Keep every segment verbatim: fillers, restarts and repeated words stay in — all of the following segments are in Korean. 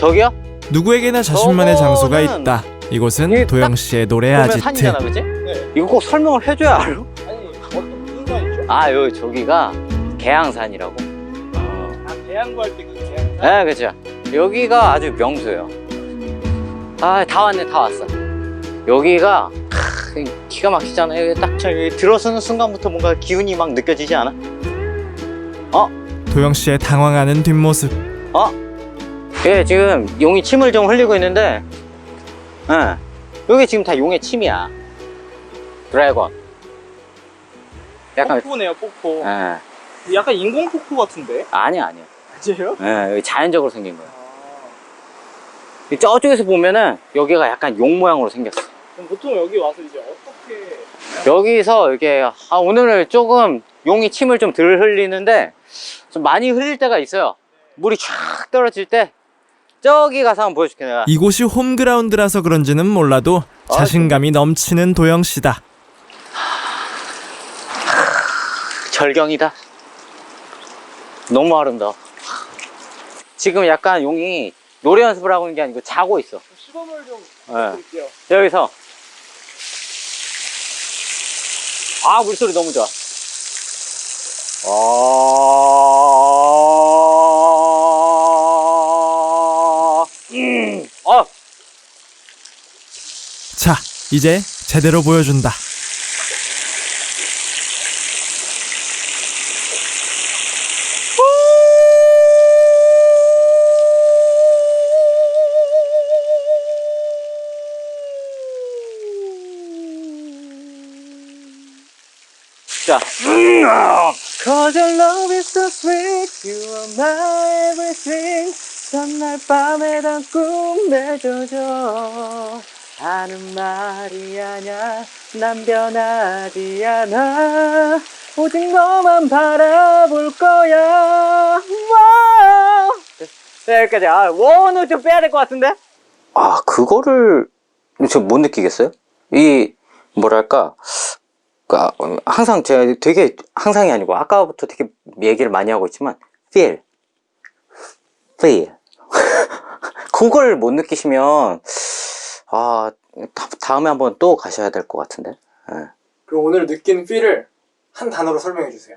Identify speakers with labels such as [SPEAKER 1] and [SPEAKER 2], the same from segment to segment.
[SPEAKER 1] 저기요?
[SPEAKER 2] 누구에게나 자신만의 장소가
[SPEAKER 1] 저거는
[SPEAKER 2] 있다. 이곳은
[SPEAKER 1] 이게
[SPEAKER 2] 도영씨의 노래
[SPEAKER 1] 보면
[SPEAKER 2] 아지트.
[SPEAKER 1] 산이잖아, 그치?
[SPEAKER 3] 네.
[SPEAKER 1] 이거 꼭 설명을 해줘야 알아?
[SPEAKER 3] 아니 어떤 무슨 산이죠?
[SPEAKER 1] 아, 여기 저기가 개항산이라고.
[SPEAKER 3] 아 계양구 할 때 그 계양산?
[SPEAKER 1] 네, 그쵸. 여기가 아주 명소예요. 아, 다 왔네, 다 왔어. 여기가 크, 기가 막히잖아요. 여기 딱 저기 들어서는 순간부터 뭔가 기운이 막 느껴지지 않아? 어?
[SPEAKER 2] 도영씨의 당황하는 뒷모습.
[SPEAKER 1] 어? 예, 지금 용이 침을 좀 흘리고 있는데, 예, 여기 지금 다 용의 침이야. 드래곤. 약간,
[SPEAKER 3] 폭포네요 폭포.
[SPEAKER 1] 예,
[SPEAKER 3] 약간 인공 폭포 같은데?
[SPEAKER 1] 아니야, 아니야.
[SPEAKER 3] 맞아요?
[SPEAKER 1] 예, 여기 자연적으로 생긴 거야.
[SPEAKER 3] 아,
[SPEAKER 1] 저쪽에서 보면은 여기가 약간 용 모양으로 생겼어.
[SPEAKER 3] 그럼 보통 여기 와서 이제 어떻게
[SPEAKER 1] 여기서 이렇게, 아, 오늘은 조금 용이 침을 좀 덜 흘리는데, 좀 많이 흘릴 때가 있어요. 물이 쫙 떨어질 때, 저기 가서 한번 보여줄게, 내가.
[SPEAKER 2] 이곳이 홈그라운드라서 그런지는 몰라도 자신감이 넘치는 도영씨다.
[SPEAKER 1] 절경이다. 너무 아름다워. 지금 약간 용이 노래 연습을 하고 있는 게 아니고 자고 있어.
[SPEAKER 3] 시범을 좀
[SPEAKER 1] 네.
[SPEAKER 3] 드릴게요.
[SPEAKER 1] 여기서. 아, 물소리 너무 좋아. 아, 음, 어,
[SPEAKER 2] 자, 이제 제대로 보여준다.
[SPEAKER 1] 자. Cause your love is so sweet, you are my everything. 전날 밤에 다 꿈내줘줘. 하는 말이 아냐, 난 변하지 않아. 오직 너만 바라볼 거야. 네, 여기까지. 아, 원은 좀 빼야 될 것 같은데? 아, 그거를 저 못 느끼겠어요? 이, 뭐랄까. 그러니까 항상 제가 되게 항상이 아니고 아까부터 되게 얘기를 많이 하고 있지만 feel, feel 그걸 못 느끼시면 아 다, 다음에 한번 또 가셔야 될 것 같은데. 네.
[SPEAKER 3] 그럼 오늘 느낀 필을 한 단어로 설명해 주세요.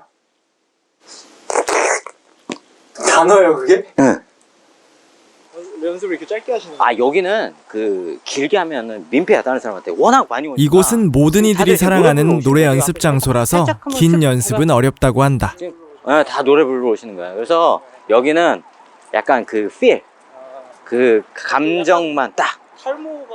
[SPEAKER 3] 단어예요 그게?
[SPEAKER 1] 응.
[SPEAKER 3] 연습을 이렇게 짧게 하시는
[SPEAKER 1] 아 여기는 그 길게 하면은 민폐야 다른 사람한테 워낙 많이 오니까.
[SPEAKER 2] 이곳은 모든 이들이
[SPEAKER 1] 다들
[SPEAKER 2] 사랑하는
[SPEAKER 1] 노래 부르러
[SPEAKER 2] 노래
[SPEAKER 1] 오시는
[SPEAKER 2] 연습
[SPEAKER 1] 거예요.
[SPEAKER 2] 장소라서
[SPEAKER 1] 살짝 한번
[SPEAKER 2] 긴
[SPEAKER 1] 쭉
[SPEAKER 2] 연습은 어렵다고 한다.
[SPEAKER 1] 지금, 네, 다 노래 부르러 오시는 거야. 그래서 여기는 약간 그 feel, 그 감정만 딱
[SPEAKER 3] 탈모가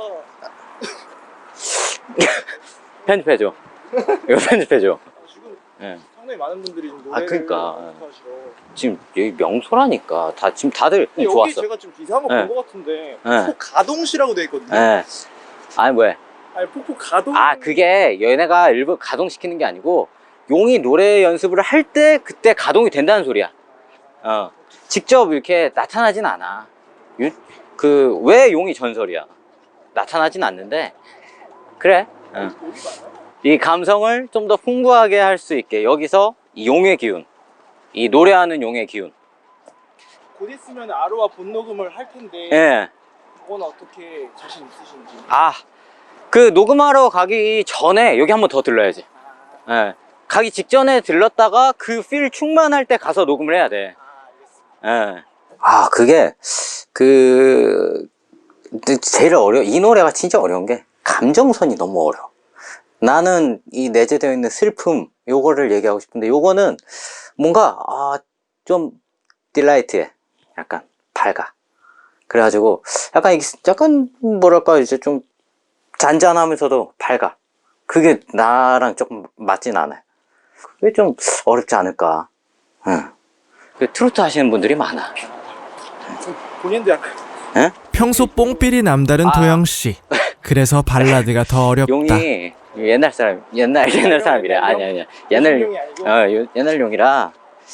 [SPEAKER 1] 편집해줘. 이거 편집해줘.
[SPEAKER 3] 지금
[SPEAKER 1] 예.
[SPEAKER 3] 상당히 많은 분들이 지금
[SPEAKER 1] 아,
[SPEAKER 3] 노래를
[SPEAKER 1] 그러니까.
[SPEAKER 3] 연습하시러.
[SPEAKER 1] 지금 여기 명소라니까 다 지금 다들
[SPEAKER 3] 근데 여기
[SPEAKER 1] 좋았어.
[SPEAKER 3] 제가 지금 기사 한번
[SPEAKER 1] 네.
[SPEAKER 3] 본 것 같은데
[SPEAKER 1] 네.
[SPEAKER 3] 폭포 가동시라고 돼 있거든요.
[SPEAKER 1] 예. 아니 뭐야?
[SPEAKER 3] 아니 폭포 가동.
[SPEAKER 1] 아 그게 얘네가 일부 가동시키는 게 아니고 용이 노래 연습을 할 때 그때 가동이 된다는 소리야. 어. 직접 이렇게 나타나진 않아. 그 왜 용이 전설이야? 나타나진 않는데 그래. 어. 이 감성을 좀 더 풍부하게 할 수 있게 여기서 이 용의 기운, 이 노래하는 용의 기운.
[SPEAKER 3] 곧 있으면 아로와 본녹음을 할 텐데
[SPEAKER 1] 예.
[SPEAKER 3] 그건 어떻게 자신 있으신지.
[SPEAKER 1] 아, 그 녹음하러 가기 전에 여기 한번 더 들러야지. 예. 가기 직전에 들렀다가 그 필 충만할 때 가서 녹음을 해야 돼.
[SPEAKER 3] 아, 알겠습니다.
[SPEAKER 1] 예. 아, 그게 그 제일 어려. 이 노래가 진짜 어려운 게 감정선이 너무 어려워. 나는 이 내재되어 있는 슬픔 요거를 얘기하고 싶은데 요거는 뭔가 아, 좀 딜라이트해. 약간 밝아. 그래가지고 약간 이게 약간 뭐랄까 이제 좀 잔잔하면서도 밝아. 그게 나랑 조금 맞진 않아요. 그게 좀 어렵지 않을까. 응. 그 트로트 하시는 분들이 많아.
[SPEAKER 3] 본인도 약간
[SPEAKER 1] 응?
[SPEAKER 2] 평소 뽕삘이 남다른
[SPEAKER 1] 아.
[SPEAKER 2] 도영씨. 그래서 발라드가 더 어렵다.
[SPEAKER 1] 용이 옛날 사람, 옛날 옛날 사람이래. 아니 아니야. 옛날
[SPEAKER 3] 용이 아니고?
[SPEAKER 1] 어 요- 옛날 용이라.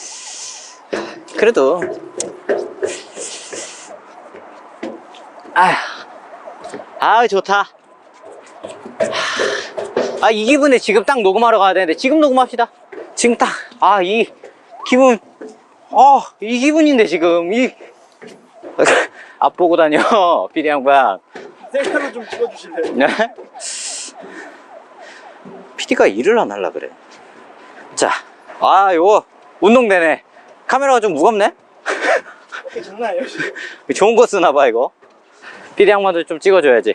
[SPEAKER 1] 그래도 아, 아 좋다. 아 이 기분에 지금 딱 녹음하러 가야 되는데 지금 녹음합시다. 지금 딱 아 이 기분, 어 이 기분인데 지금 이 앞 보고 다녀, 피디 양반.
[SPEAKER 3] 셀카로 좀 찍어주실래요?
[SPEAKER 1] 네? 피디가 일을 안 하려 그래. 자, 아, 요거 운동되네. 카메라가 좀 무겁네?
[SPEAKER 3] 오케이, 장난 아니에요 지금.
[SPEAKER 1] 좋은 거 쓰나 봐, 이거. 피디 양반도 좀 찍어줘야지.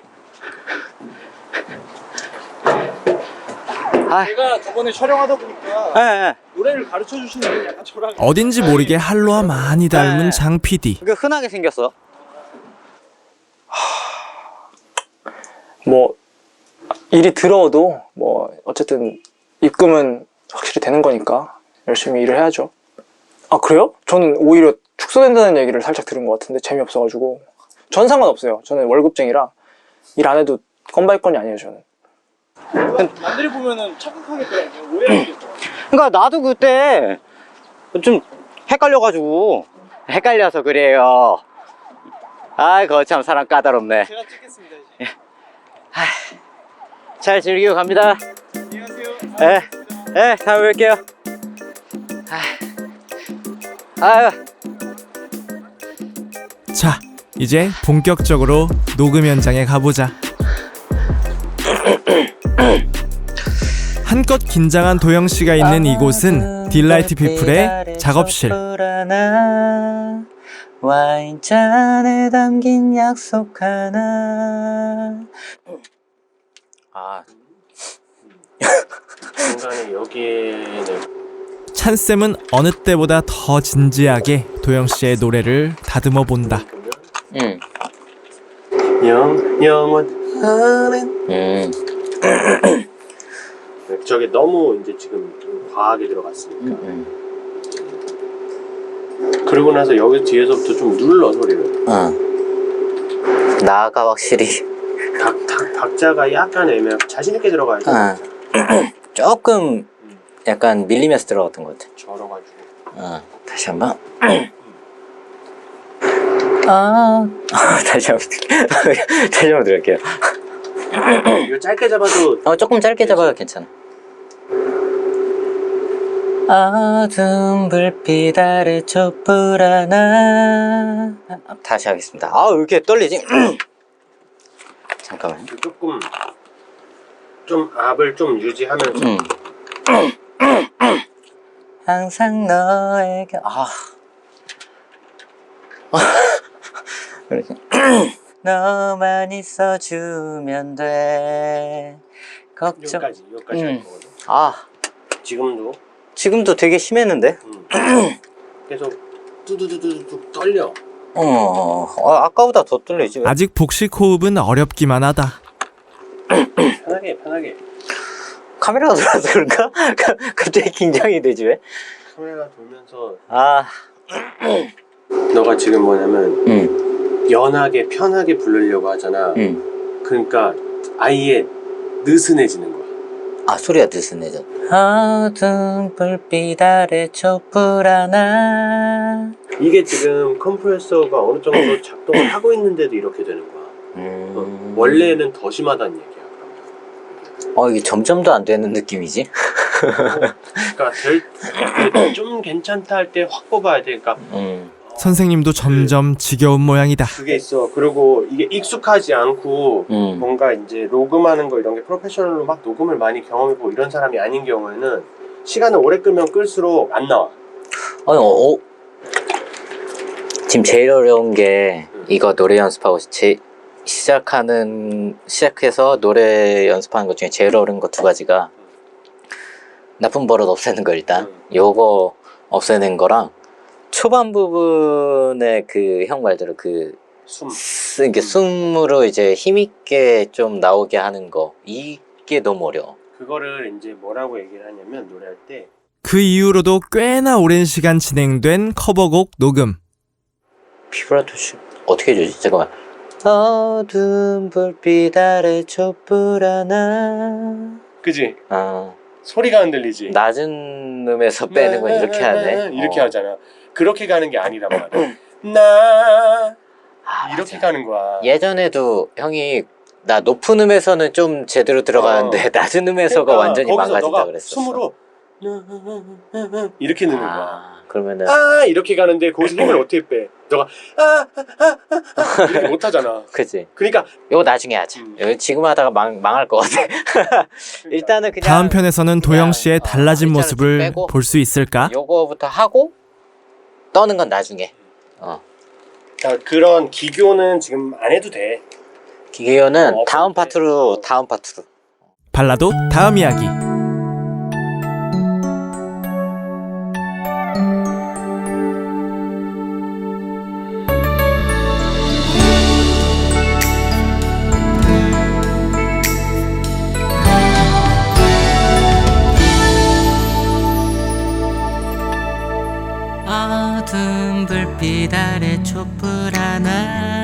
[SPEAKER 1] 아,
[SPEAKER 3] 제가 저번에 촬영하다 보니까
[SPEAKER 1] 예, 예.
[SPEAKER 3] 노래를 가르쳐 주시는 분 약간 저랑
[SPEAKER 2] 어딘지 모르게 할로와 많이 닮은 장 피디.
[SPEAKER 1] 그게 흔하게 생겼어.
[SPEAKER 4] 뭐 일이 들어도 뭐 어쨌든 입금은 확실히 되는 거니까 열심히 일을 해야죠. 아 그래요? 저는 오히려 축소된다는 얘기를 살짝 들은 것 같은데 재미없어가지고. 전 상관없어요. 저는 월급쟁이라 일 안 해도 건바이건이 아니에요 저는.
[SPEAKER 3] 남들이 보면은 착각하겠더라고요. 오해하겠죠.
[SPEAKER 1] 그러니까 나도 그때 좀 헷갈려가지고 헷갈려서 그래요. 아이 거참 사람 까다롭네.
[SPEAKER 3] 제가 찍겠습니다 이제.
[SPEAKER 1] 잘 즐기고 갑니다.
[SPEAKER 3] 안녕하세요.
[SPEAKER 1] 예, 예, 다음에 뵐게요. 아유,
[SPEAKER 2] 자, 이제 본격적으로 녹음 현장에 가보자. 한껏 긴장한 도영 씨가 있는 이곳은 딜라이트 피플의 작업실.
[SPEAKER 1] 와인잔에 담긴 약속 하나. 아,
[SPEAKER 5] 중간에 여기에는
[SPEAKER 2] 찬쌤은 어느 때보다 더 진지하게 도영 씨의 노래를 다듬어 본다.
[SPEAKER 1] 응,
[SPEAKER 5] 영 영원하는
[SPEAKER 1] 음,
[SPEAKER 5] 저게 너무 이제 지금 좀 과하게 들어갔으니까
[SPEAKER 1] 음,
[SPEAKER 5] 그러고 나서 여기 뒤에서부터 좀 눌러 소리를
[SPEAKER 1] 응. 나가 확실히.
[SPEAKER 5] 박, 박, 박자가 약간 애매하고 자신있게 들어가야지
[SPEAKER 1] 아. 조금 약간 밀리면서 들어갔던 것 같아.
[SPEAKER 5] 절어가지고
[SPEAKER 1] 어, 다시 한번. 아, 다시 한번 들- 다시 한번 들을게요.
[SPEAKER 5] 이거 짧게 잡아도
[SPEAKER 1] 어, 조금 짧게 잡아도 괜찮아. 어두운 불빛 아래 촛불 하나. 아, 다시 하겠습니다. 아, 왜 이렇게 떨리지? 잠깐만.
[SPEAKER 5] 조금 좀 압을 좀 유지하면서
[SPEAKER 1] 음. 항상 너에게 아 이렇게. 너만 있어주면 돼 걱정.
[SPEAKER 5] 여기까지 여기까지
[SPEAKER 1] 음.
[SPEAKER 5] 할 거거든
[SPEAKER 1] 아
[SPEAKER 5] 지금도
[SPEAKER 1] 지금도 되게 심했는데.
[SPEAKER 5] 음. 계속 뚜두두두두 떨려
[SPEAKER 1] 어, 어 아까보다 더 떨리지. 왜?
[SPEAKER 2] 아직 복식 호흡은 어렵기만 하다.
[SPEAKER 5] 편하게 편하게
[SPEAKER 1] 카메라가 돌아서 그런가? 갑자기 긴장이 되지 왜?
[SPEAKER 5] 카메라가 돌면서
[SPEAKER 1] 아,
[SPEAKER 5] 너가 지금 뭐냐면
[SPEAKER 1] 음,
[SPEAKER 5] 연하게 편하게 부르려고 하잖아
[SPEAKER 1] 음.
[SPEAKER 5] 그러니까 아예 느슨해지는 거야
[SPEAKER 1] 아 소리가 느슨해져. 어두운 불빛 아래 촛불 하나.
[SPEAKER 5] 이게 지금 컴프레서가 어느 정도 작동을 하고 있는데도 이렇게 되는 거야
[SPEAKER 1] 음.
[SPEAKER 5] 어, 원래는 더 심하다는 얘기야 그러면.
[SPEAKER 1] 어 이게 점점도 안 되는 느낌이지?
[SPEAKER 5] 그러니까 될, 좀 괜찮다 할 때 확 뽑아야 돼 그러니까
[SPEAKER 1] 음.
[SPEAKER 2] 선생님도 점점 지겨운 모양이다.
[SPEAKER 5] 그게 있어 그리고 이게 익숙하지 않고
[SPEAKER 1] 음.
[SPEAKER 5] 뭔가 이제 녹음하는 거 이런 게 프로페셔널로 막 녹음을 많이 경험해보고 이런 사람이 아닌 경우에는 시간을 오래 끌면 끌수록 안 나와
[SPEAKER 1] 아니, 어, 어. 지금 제일 어려운 게 이거 노래 연습하고 제, 시작하는 시작해서 노래 연습하는 것 중에 제일 어려운 거 두 가지가 나쁜 버릇 없애는 거 일단 요거 없애는 거랑 초반 부분에 그 형 말대로 그
[SPEAKER 5] 숨
[SPEAKER 1] 쓰, 이게 숨으로 이제 힘있게 좀 나오게 하는 거 이게 너무 어려워.
[SPEAKER 5] 그거를 이제 뭐라고 얘기를 하냐면 노래할 때
[SPEAKER 2] 그 이후로도 꽤나 오랜 시간 진행된 커버곡 녹음.
[SPEAKER 1] 비브라토 씨 어떻게 해주지? 잠깐만. 어두운 불빛 아래 촛불 하나.
[SPEAKER 5] 그지?
[SPEAKER 1] 아
[SPEAKER 5] 소리가 안 들리지?
[SPEAKER 1] 낮은 음에서 빼는 건 이렇게 하네.
[SPEAKER 5] 이렇게
[SPEAKER 1] 어.
[SPEAKER 5] 하잖아 그렇게 가는 게 아니란 말이야 나
[SPEAKER 1] 아,
[SPEAKER 5] 이렇게
[SPEAKER 1] 맞아.
[SPEAKER 5] 가는 거야
[SPEAKER 1] 예전에도 형이 나 높은 음에서는 좀 제대로 들어가는데
[SPEAKER 5] 어.
[SPEAKER 1] 낮은 음에서가
[SPEAKER 5] 그러니까
[SPEAKER 1] 완전히
[SPEAKER 5] 거기서
[SPEAKER 1] 망가진다
[SPEAKER 5] 너가
[SPEAKER 1] 그랬었어.
[SPEAKER 5] 숨으로 이렇게 느는 거야.
[SPEAKER 1] 아, 그러면은
[SPEAKER 5] 아 이렇게 가는데 거기서 힘을 어떻게 빼? 너가 아아아아 이렇게 못 하잖아.
[SPEAKER 1] 그치.
[SPEAKER 5] 그러니까
[SPEAKER 1] 이거 나중에 하자.
[SPEAKER 5] 음.
[SPEAKER 1] 이거 지금 하다가 망, 망할 것 같아. 일단은 그냥
[SPEAKER 2] 다음 편에서는 도영 씨의
[SPEAKER 1] 그냥, 어,
[SPEAKER 2] 달라진
[SPEAKER 1] 일자를
[SPEAKER 2] 모습을
[SPEAKER 1] 좀 빼고
[SPEAKER 2] 볼 수 있을까?
[SPEAKER 1] 요거부터 하고 떠는 건 나중에. 어.
[SPEAKER 5] 자, 그런 기교는 지금 안 해도 돼.
[SPEAKER 1] 기계요는
[SPEAKER 5] 어,
[SPEAKER 1] 다음
[SPEAKER 5] 네.
[SPEAKER 1] 파트로 다음 파트로.
[SPEAKER 2] 발라도 다음 이야기.
[SPEAKER 6] 어두운 불빛 아래 촛불 하나